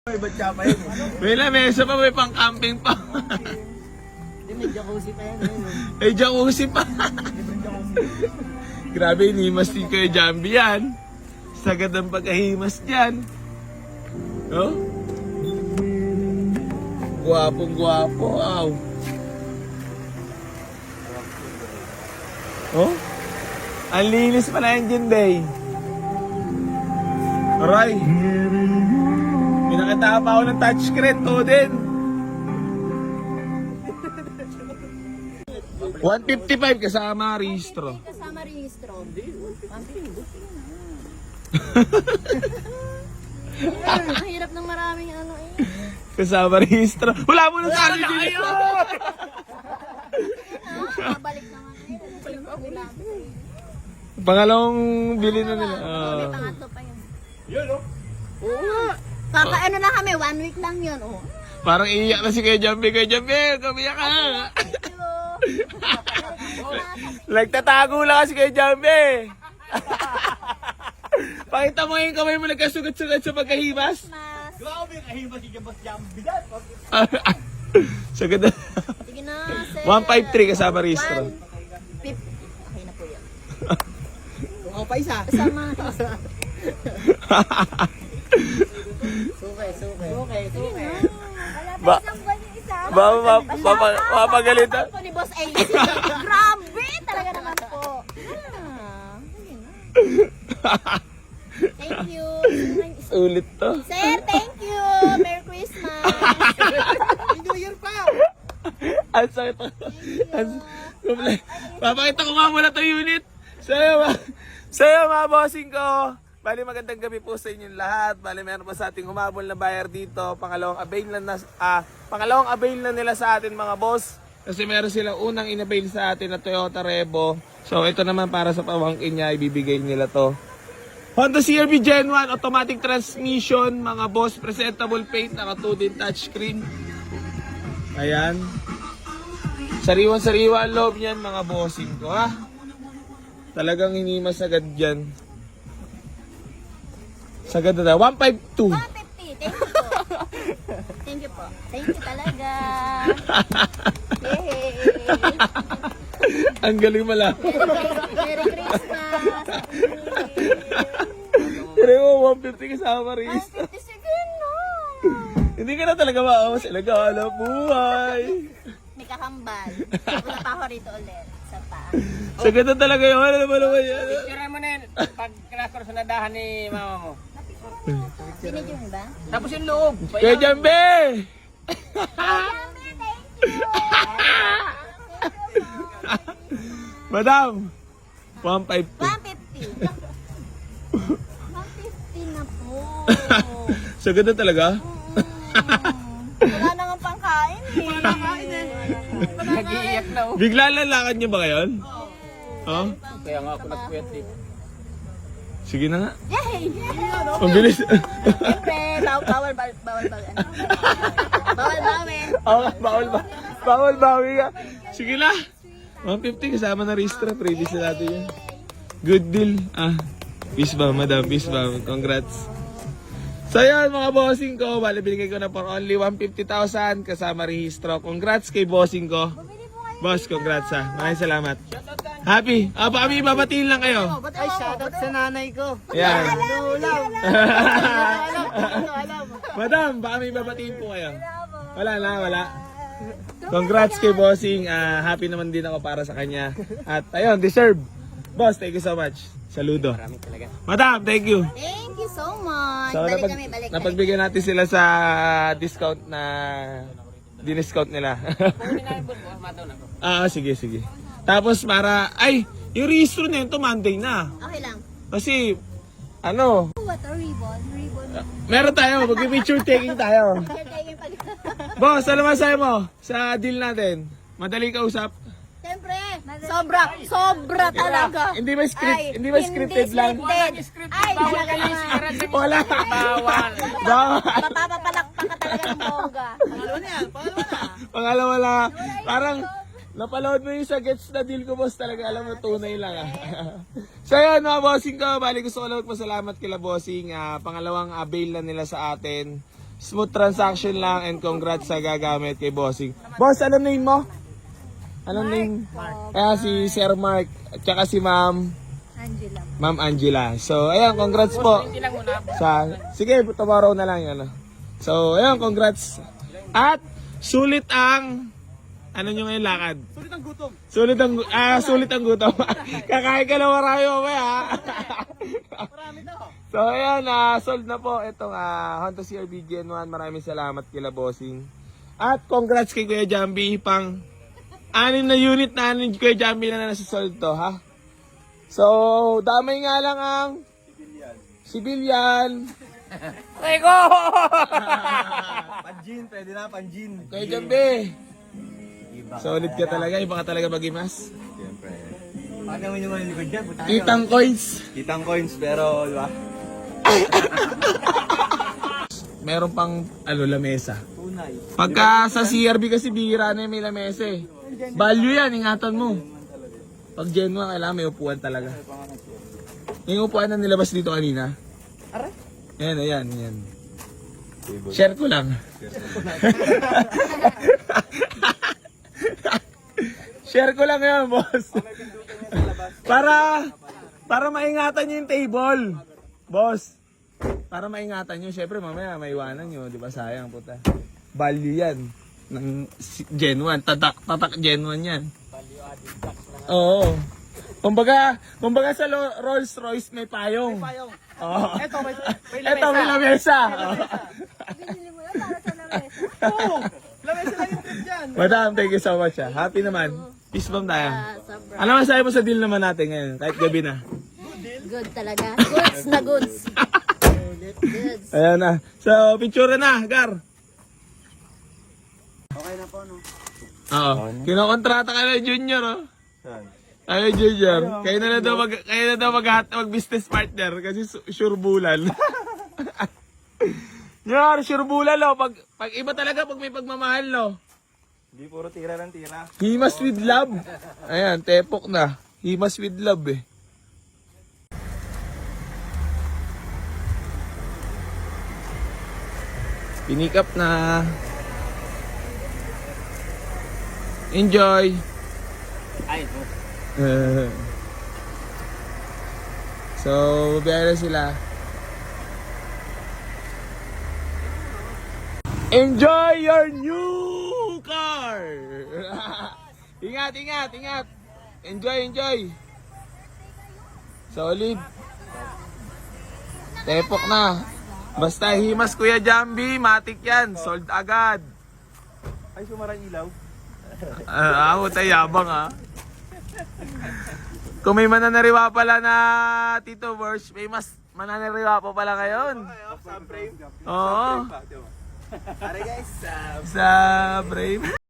May batya pa yun. May lamesa pa, may pang-camping pa. Hindi, may jacuzzi pa yan. May jacuzzi pa. Grabe, hinimas din kayo Jambi yan. Sagad ang pagkahimas dyan. Oh? Guwapong guwapo. Wow. Oh? Ang linis pala yan dyan, Day. Aray. Pinakita pa ako ng touchscreen to din. 155 kasama rehistro. Kasama rehistro. 150. Mahirap ng maraming ano eh. Kasama rehistro. Wala mo nang sabi dito. Babalik naman eh. Pangalawang bili na nila. May pangatlo pa yun. Yun, oh. Oo nga. Kakaano lang kami, 1 week lang yun. Oh. Parang iiyak na si Kuya Jambi. Kuya Jambi, kumiyak ka. Nagtatago lang kasi Kuya Jambi. Pakita mo yung kamay mo nagkasugat-sugat sa pagkahimas. Grabe, kahimas si Jambas Jambi dyan. Sagad na. Sige na, sir. 153 kasama rehistro. 150. Okay na po yun. Kung ako pa isa. Kasama. Suke. Mapagalitan. Ako ni Boss AC. Grabe, talaga naman po. Sige na. Thank you. Ulit to. Sir, thank you. Merry Christmas. New Year pa. Ang sakit to. Papakita ko nga muna to unit. Sa'yo mga bossing ko. Bali magandang gabi po sa inyong lahat. Bali meron pa sa ating humabol na buyer dito. Pangalawang avail na nila sa atin mga boss. Kasi meron silang unang inabail sa atin na Toyota Revo. So ito naman para sa pamangkin niya, ibibigay nila to. Honda CR-V Gen 1 automatic transmission mga boss. Presentable paint, naka 2D touchscreen. Ayan. Sariwan-sariwa ang loob niyan mga bossing ko ha. Talagang hinimas agad dyan. Sagad na 152. 150. Thank you po. Thank you po. Thank you talaga. Yay! Ang galing malaman. Merry Christmas. Pero 150 kasama rin. 150 sige na. Hindi ka na talaga maawas. Nag-aalap buhay. May kakambal. Wala pa ako rito ulit. Sa pa. Sagad na talaga yung ano naman naman yan. Tira mo na yun. Pag kinakor sa nadahan ni mama mo. Binidyo mo ba? Tapos yung loob. Kuya Jambi! Madam! 150. 150 na po. Sagad na talaga? Wala na nga pangkain eh. Nag-iiyak na oh. Bigla lalakad niyo ba ngayon? Oh? Kaya nga ako nagpuyat eh. Sige na nga. Yay! Ang bilis. Siyempre, bawal ba? Bawal bawi ka. Sige na. 150 kasama na registra. Previous na natin yan. Good deal. Peace ba, madam? Peace ba? Congrats. So yan mga bossing ko. Bali binigay ko na for only 150,000 kasama rehistro. Congrats kay bossing ko. Boss, congrats ha. Maraming salamat. Happy. Baka kami babatiin lang kayo. Ay, shoutout sa nanay ko. Yan. Alam. Madam, baka may babatiin po kayo. Wala. Congrats kay bossing. Happy naman din ako para sa kanya. At ayun, deserve. Boss, thank you so much. Saludo. Marami talaga. Madam, thank you. Thank you so much. So, Balik kami. napagbigyan natin sila sa discount na diniscount nila. Kunin na yung boss, mataw na ko. Sige. Tapos yung registro na yun to Monday na. Okay lang. Kasi, What a ribbon. meron tayo, mag-picture taking tayo. You're taking pag... Boss, ano masahe mo sa deal natin? Madali kausap? Siyempre, sobra talaga. Hindi ba scripted lang? Ay, talaga naman. Wala. Bawal. Mapapapalakpak ka talaga ng boga. Pangalawa lang. Parang napaload mo yung sa gets na deal ko, boss. Talaga alam mo, tunay lang. So yun mga bossing ko, bali gusto ko lang magpasalamat kila bossing. Pangalawang avail na nila sa atin. Smooth transaction lang and congrats sa gagamit kay Bossing. Boss, anong name mo? Anong name? Kaya si Sir Mark at saka si Ma'am Angela. Ma'am Angela. So, ayan, congrats po. Hindi lang muna. Sige, tomorrow na lang yan. So, ayan, congrats. At sulit ang ano nyo ngayon lakad? Sulit ang gutom. Sulit ang gutom. Kakain ka na marami mamaya. Marami daw. So, ayan, sold na po itong Honda CR-V Gen 1. Maraming salamat kila Bossing. At congrats kay Kuya Jambi. Pang 6 na unit na Kuya Jambi na nasa-sold to, ha? So, damay nga lang ang civilian. Rico! Panjin, pwede na, panjin. Kuya Jambi. Solid ka talaga. Iba ka talaga mag-imas. Siyempre. Paano mo naman yung likod dyan? Punta tayo. Kitang coins. Kitang coins, pero, di ba? Meron pang lamesa. Tunay. Pagka sa CRB kasi bihira na yung may lamesa eh. Value yan, ingatan mo. Pag Gen 1, kailangan may upuan talaga. Yung upuan na nilabas dito kanina. Aray? Yan. Share ko lang. Share ko lang yan, boss. Para maingatan nyo yung table. Boss. Para maingatan nyo. Siyempre, mamaya maiwanan nyo. Di ba sayang, puta. Value yan. Ng Gen 1. Tatak Gen 1 yan. Oo. Kumbaga sa Rolls Royce may payong. Oo. Ito, may Ito, may lamesa. Binili mo yan para sa lamesa. Oo! Lamesa lang yung trip dyan. Madam, thank you so much. Happy naman. Peace bomb tayo. Sobra. Ano masabi mo sa deal naman natin ngayon? Kahit gabi na. Good talaga. Goods na goods. Goods. Ayan na. So, picture na, Gar. Okay na po, no? Oo. Kinokontrata ka na, Junior, oh. Saan? Ay, Junior. Kayo na daw mag-business partner kasi sure bulan. Junior, sure bulan, oh. Pag iba talaga, pag may pagmamahal, no. Hindi puro tira lang tira. Himas with love. Ayan, tepok na. Himas with love, eh. Pinick up na. Enjoy. Ay, ito. So, biyahe na sila. Enjoy your new car! Ingat. Enjoy. Solid. Tepok na. Basta himas Kuya Jambi, matik yan. Sold agad. Ay, sumarang ilaw. Ako tayabang ha. Kung may mananariwa pala na Tito Verge, may mas mananariwa pa pala ngayon. Subframe. Oo. Alright guys, Sa Brave.